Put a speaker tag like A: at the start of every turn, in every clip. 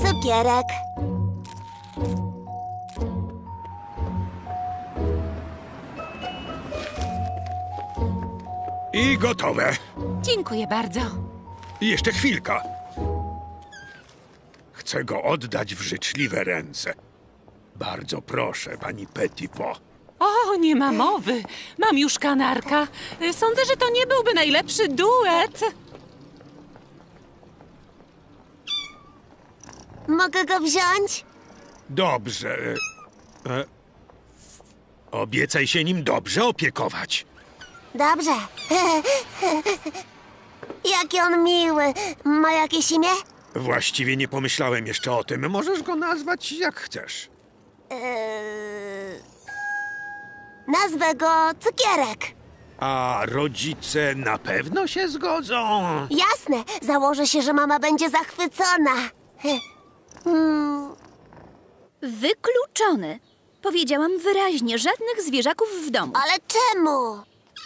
A: cukierek.
B: I gotowe.
C: Dziękuję bardzo.
B: I jeszcze chwilka. Chcę go oddać w życzliwe ręce. Bardzo proszę, pani Petitpo.
C: O, nie ma mowy. Mam już kanarka. Sądzę, że to nie byłby najlepszy duet.
A: Mogę go wziąć?
B: Dobrze. Obiecaj się nim dobrze opiekować.
A: Dobrze. Jaki on miły. Ma jakieś imię?
B: Właściwie nie pomyślałem jeszcze o tym. Możesz go nazwać jak chcesz.
A: Nazwę go Cukierek.
B: A rodzice na pewno się zgodzą?
A: Jasne. Założę się, że mama będzie zachwycona.
D: Wykluczony. Powiedziałam wyraźnie, żadnych zwierzaków w domu.
A: Ale czemu?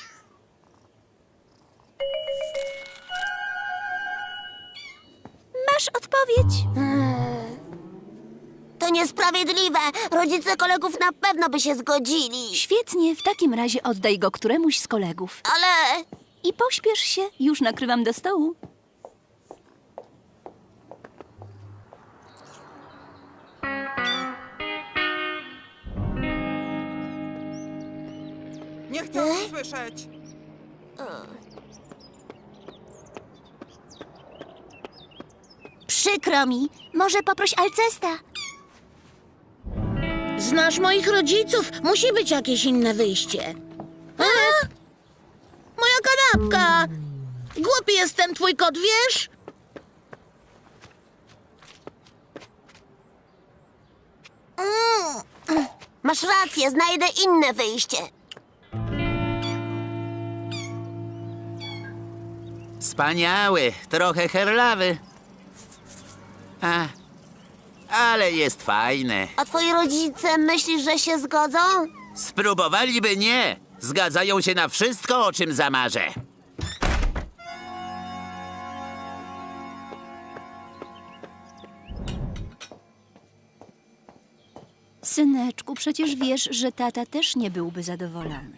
D: Masz odpowiedź?
A: To niesprawiedliwe. Rodzice kolegów na pewno by się zgodzili.
D: Świetnie, w takim razie oddaj go któremuś z kolegów.
A: Ale...
D: I pośpiesz się, już nakrywam do stołu.
E: Nie chcę o tym słyszeć.
A: Przykro mi. Może poproś Alcesta.
F: Znasz moich rodziców. Musi być jakieś inne wyjście. A? Moja kanapka! Głupi jest ten twój kot, wiesz?
A: Masz rację, znajdę inne wyjście.
G: Wspaniały, trochę herlawy. Ale jest fajny.
A: A twoi rodzice myślisz, że się zgodzą?
G: Spróbowaliby nie. Zgadzają się na wszystko, o czym zamarzę.
D: Syneczku, przecież wiesz, że tata też nie byłby zadowolony.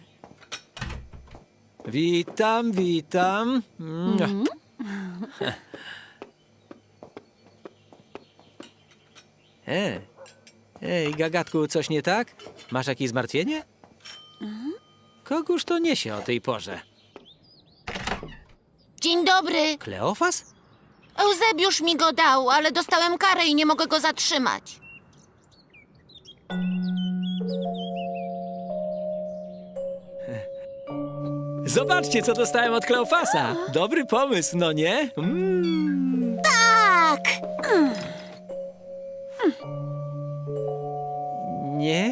H: Witam, witam. Ej, gagatku, coś nie tak? Masz jakieś zmartwienie? Kogóż to niesie o tej porze?
F: Dzień dobry.
H: Kleofas?
F: Eusebiusz mi go dał, ale dostałem karę i nie mogę go zatrzymać.
H: Zobaczcie, co dostałem od Kleofasa. Dobry pomysł, no nie?
A: Tak!
H: Nie?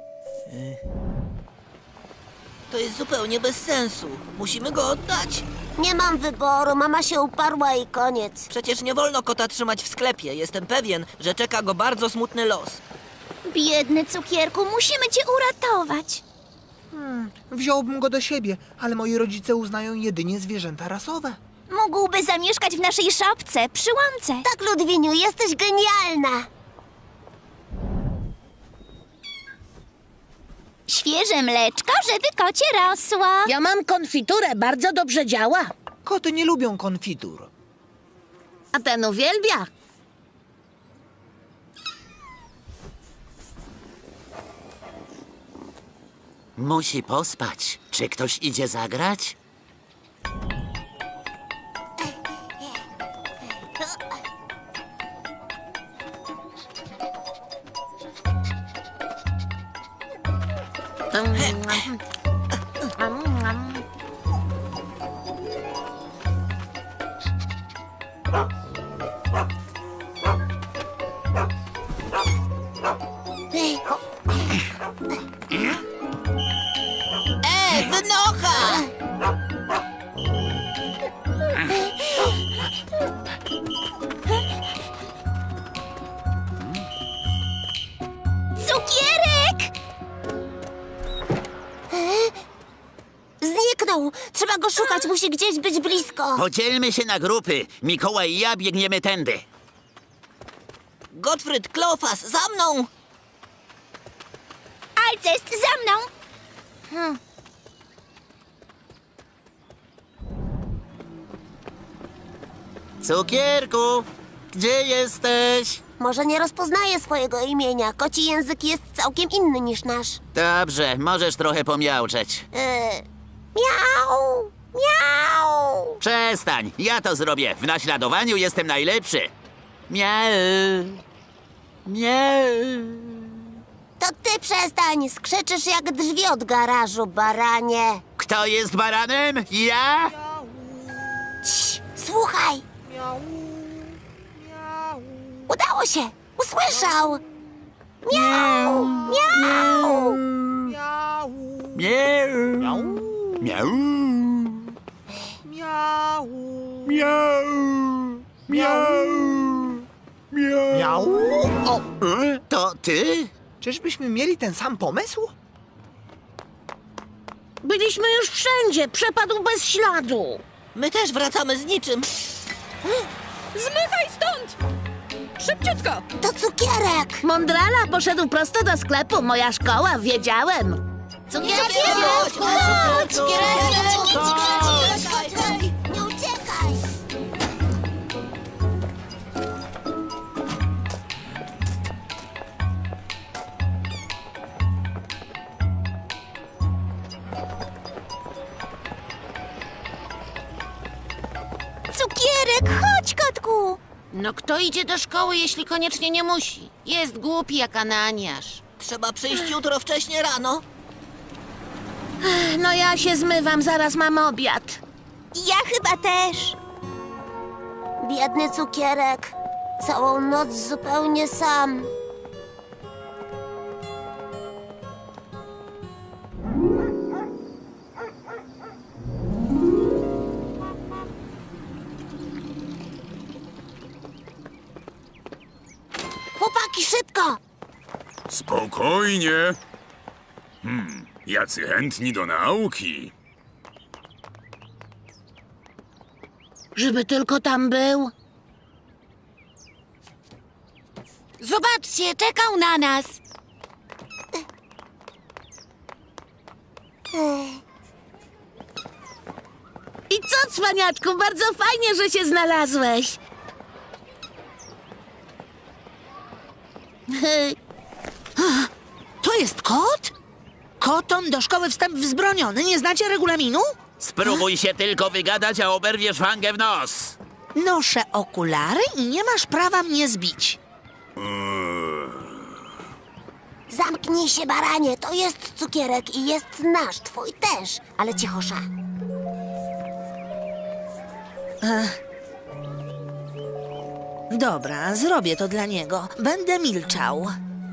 I: To jest zupełnie bez sensu. Musimy go oddać.
A: Nie mam wyboru, mama się uparła i koniec.
I: Przecież nie wolno kota trzymać w sklepie. Jestem pewien, że czeka go bardzo smutny los.
D: Biedny cukierku, musimy cię uratować.
E: Wziąłbym go do siebie, ale moi rodzice uznają jedynie zwierzęta rasowe.
D: Mógłby zamieszkać w naszej szopce, przy łące.
A: Tak, Ludwiniu, jesteś genialna.
D: Świeże mleczko, żeby kocie rosło.
F: Ja mam konfiturę, bardzo dobrze działa.
E: Koty nie lubią konfitur.
F: A ten uwielbia.
G: Musi pospać. Czy ktoś idzie zagrać?
F: Wynocha!
D: Cukierek!
A: Zniknął. Trzeba go szukać, musi gdzieś być blisko.
G: Podzielmy się na grupy. Mikołaj i ja biegniemy tędy.
I: Gottfried, Klofas, za mną!
A: Alcest, za mną!
G: Cukierku, gdzie jesteś?
A: Może nie rozpoznaje swojego imienia. Koci język jest całkiem inny niż nasz.
G: Dobrze, możesz trochę pomiauczeć.
A: Miau! Miau!
G: Przestań, ja to zrobię. W naśladowaniu jestem najlepszy. Miau. Miau.
A: To ty przestań! Skrzyczysz jak drzwi od garażu, baranie.
G: Kto jest baranem? Ja?
A: Cii, słuchaj! Udało się! Usłyszał! Miau! Miau!
G: Miau. Miau. Miau. Miau. Miau.
E: Miau! O,
G: To ty?
E: czyżbyśmy mieli ten sam pomysł?
F: Byliśmy już wszędzie, przepadł bez śladu.
I: My też wracamy z niczym.
C: Zmykaj stąd! Szybciutko!
A: To cukierek!
F: Mądrala poszedł prosto do sklepu, moja szkoła, wiedziałem.
A: Cukierek!
I: Chodź!
A: Nie uciekaj! Cukierek, chodź, kotku!
F: No kto idzie do szkoły, jeśli koniecznie nie musi? Jest głupi jak Ananiasz.
I: Trzeba przyjść jutro wcześnie rano.
F: No ja się zmywam, zaraz mam obiad.
A: Ja chyba też. Biedny cukierek. Całą noc zupełnie sam. Chłopaki, szybko!
J: Spokojnie. Jacy chętni do nauki.
F: Żeby tylko tam był.
A: Zobaczcie, czekał na nas.
F: I co, cwaniaczku, bardzo fajnie, że się znalazłeś.
K: To jest kot? Kotom do szkoły wstęp wzbroniony. Nie znacie regulaminu?
G: Spróbuj się tylko wygadać, a oberwiesz fangę w nos.
K: Noszę okulary i nie masz prawa mnie zbić.
A: Zamknij się, baranie. To jest cukierek i jest nasz, twój też. Ale cichosza.
K: Dobra, zrobię to dla niego. Będę milczał.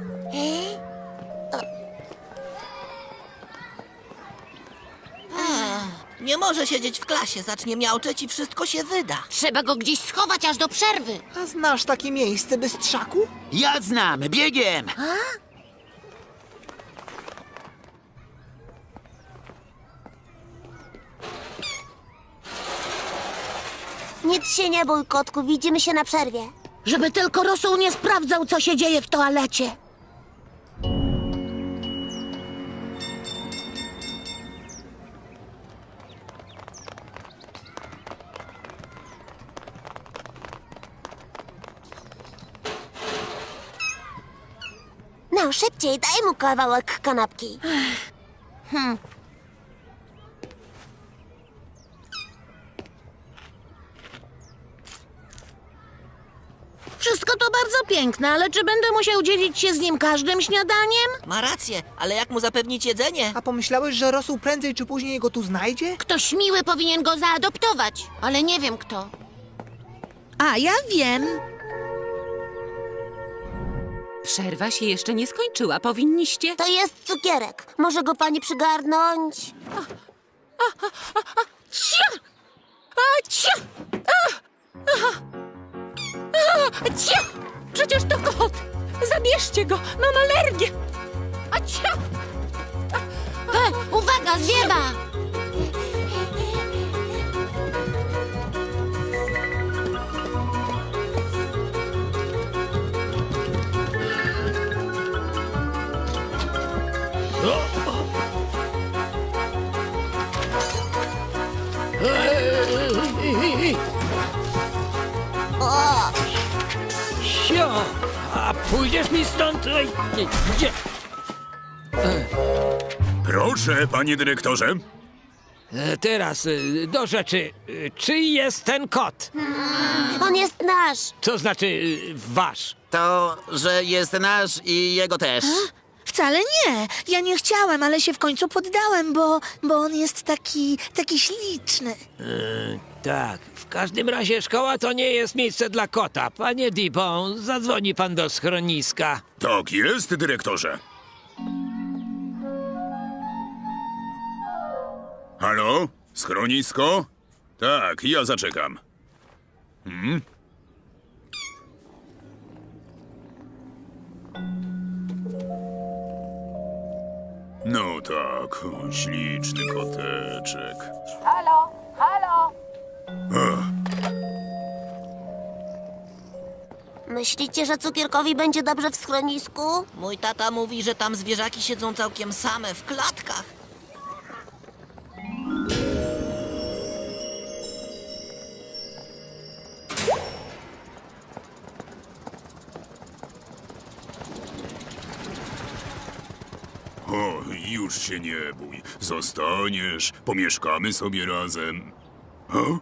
I: Nie może siedzieć w klasie, zacznie miauczeć i wszystko się wyda.
F: Trzeba go gdzieś schować aż do przerwy.
E: A znasz takie miejsce, bystrzaku?
G: Ja znam, biegiem.
A: Nic się nie bój, kotku. Widzimy się na przerwie.
F: Żeby tylko Rosół nie sprawdzał, co się dzieje w toalecie.
A: No, szybciej, daj mu kawałek kanapki.
F: Wszystko to bardzo piękne, ale czy będę musiał dzielić się z nim każdym śniadaniem?
I: Ma rację, ale jak mu zapewnić jedzenie?
E: A pomyślałeś, że Rosół prędzej czy później go tu znajdzie?
F: Ktoś miły powinien go zaadoptować, ale nie wiem kto.
K: A, ja wiem.
C: Przerwa się jeszcze nie skończyła. Powinniście...
A: To jest cukierek. Może go pani przygarnąć?
C: Cia! A, cia! Cia! Przecież to kot! Zabierzcie go! Mam alergię! A cia!
F: Uwaga, zwiewa!
H: Sio! A pójdziesz mi stąd? Ej, gdzie?
J: Proszę, panie dyrektorze.
H: Teraz do rzeczy. Czyj jest ten kot?
A: On jest nasz.
H: Co znaczy wasz?
G: To, że jest nasz i jego też.
K: Wcale nie. Ja nie chciałem, ale się w końcu poddałem, bo on jest taki śliczny.
H: Tak, w każdym razie szkoła to nie jest miejsce dla kota. Panie Dibon, zadzwoni pan do schroniska.
J: Tak jest, dyrektorze. Halo? Schronisko? Tak, ja zaczekam. No tak, śliczny koteczek.
C: Halo, halo!
A: Myślicie, że cukierkowi będzie dobrze w schronisku?
I: Mój tata mówi, że tam zwierzaki siedzą całkiem same w klatkach.
J: O, już się nie bój. Zostaniesz, pomieszkamy sobie razem. O?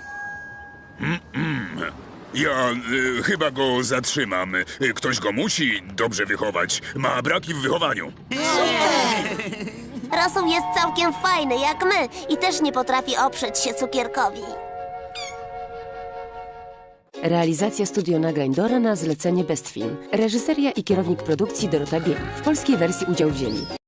J: Ja chyba go zatrzymam. Ktoś go musi dobrze wychować. Ma braki w wychowaniu.
A: Rosół jest całkiem fajny, jak my, i też nie potrafi oprzeć się cukierkowi.
L: Realizacja studio nagrań Dora na zlecenie Best Film. Reżyseria i kierownik produkcji Dorota Biel. W polskiej wersji udział wzięli